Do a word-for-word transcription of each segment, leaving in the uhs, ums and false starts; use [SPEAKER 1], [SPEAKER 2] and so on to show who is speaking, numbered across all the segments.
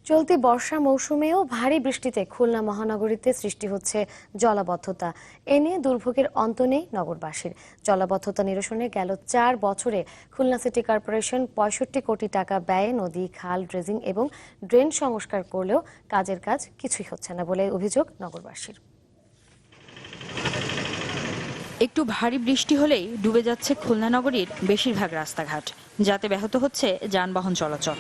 [SPEAKER 1] চলতি বর্ষা মৌসুমেও ভারী বৃষ্টিতে খুলনা মহানগরীতে সৃষ্টি হচ্ছে জলাবদ্ধতা। এ নিয়ে দুর্ভোগের অন্ত নেই নগরবাসীর। জলাবদ্ধতা নিরসনে গেল চার বছরে খুলনা সিটি কর্পোরেশন পঁয়ষট্টি কোটি টাকা ব্যয়ে নদী, খাল, ড্রেজিং এবং ড্রেন সংস্কার করলেও কাজের কাজ কিছুই হচ্ছে না বলে অভিযোগ নগরবাসীর।
[SPEAKER 2] একটু ভারী বৃষ্টি হলেই ডুবে যাচ্ছে খুলনা নগরীর বেশিরভাগ রাস্তাঘাট, যাতে ব্যাহত হচ্ছে যানবাহন চলাচল।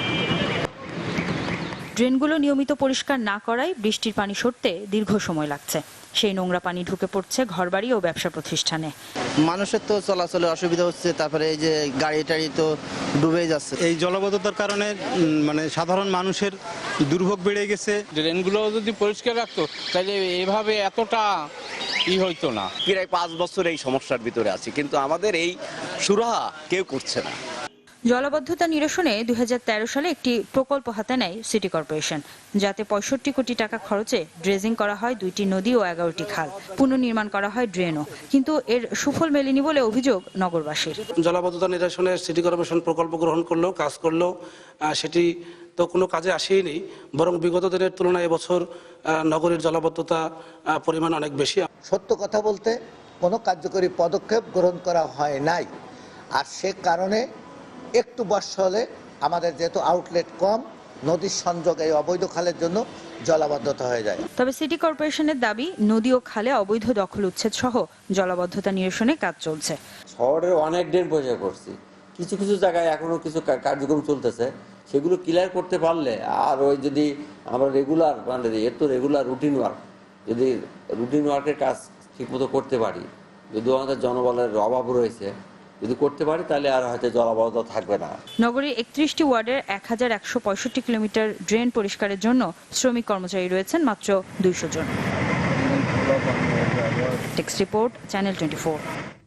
[SPEAKER 2] ড্রেনগুলো নিয়মিত পরিষ্কার না করায় বৃষ্টির পানি সরতে দীর্ঘ সময় লাগছে। সেই নোংরা পানি ঢুকে পড়ছে ঘরবাড়ি ও ব্যবসা প্রতিষ্ঠানে।
[SPEAKER 3] মানুষের তো চলাচলে অসুবিধা হচ্ছে, তারপরে এই যে গাড়ি টাড়ি তো ডুবে যাচ্ছে।
[SPEAKER 4] এই জলাবদ্ধতার কারণে মানে সাধারণ মানুষের দুর্ভোগ বেড়ে গেছে।
[SPEAKER 5] ড্রেনগুলো যদি পরিষ্কার রাখতো তাহলে এভাবে এতটা ই হইতো না।
[SPEAKER 6] প্রায় পাঁচ বছর এই সমস্যার ভিতরে আছি, কিন্তু আমাদের এই সুরাহা কেউ করছে না।
[SPEAKER 2] জলাবদ্ধতা নিরসনে দুই হাজার তেরো সালে একটি প্রকল্প হাতে নেয় সিটি কর্পোরেশন, যাতে পঁয়ষট্টি কোটি টাকা খরচে ড্রেজিং করা হয় দুইটি নদী ও এগারোটি খাল, পুনর্নির্মাণ করা হয় ড্রেনও। কিন্তু এর সুফল মেলেনি বলে অভিযোগ নগরবাসীর।
[SPEAKER 7] জলাবদ্ধতা নিরসনে সিটি কর্পোরেশন প্রকল্প গ্রহণ করলেও কাজ করলেও সেটি তো কোনো কাজে আসেই, বরং বিগত দিনের তুলনায় এবছর নগরীর জলাবদ্ধতা পরিমাণ অনেক বেশি।
[SPEAKER 8] সত্য কথা বলতে কোনো কার্যকরী পদক্ষেপ গ্রহণ করা হয় নাই, আর সে কারণে একটু বর্ষা হলে আমাদের যেহেতু আউটলেট কম, নদীর সংযোগ এই অবৈধ খালের জন্য জলাবদ্ধতা হয়ে যায়।
[SPEAKER 2] তবে সিটি কর্পোরেশনের দাবি, নদী ও খালে অবৈধ দখল উচ্ছেদ সহ জলাবদ্ধতা নিরসনে কাজ চলছে।
[SPEAKER 9] শহরের অনেক ড্রেন পরিষ্কার করছি, কিছু কিছু জায়গায় এখনো কিছু কার্যক্রম চলতেছে, সেগুলো ক্লিয়ার করতে পারলে আর ওই যদি আমরা রেগুলার মানে এর তো রেগুলার রুটিন ওয়ার্ক, যদি রুটিন ওয়ার্কের কাজ ঠিকমতো করতে পারি, যদিও আমাদের জনবলের অভাব রয়েছে, যদি করতে পারি তাহলে আর হয়তো জলাবদ্ধতা থাকবে না।
[SPEAKER 2] নগরীর একত্রিশটি ওয়ার্ডের এক হাজার একশো পঁয়ষট্টি কিলোমিটার ড্রেন পরিষ্কারের জন্য শ্রমিক কর্মচারী রয়েছেন মাত্র দুইশো জন। Text report, channel twenty four.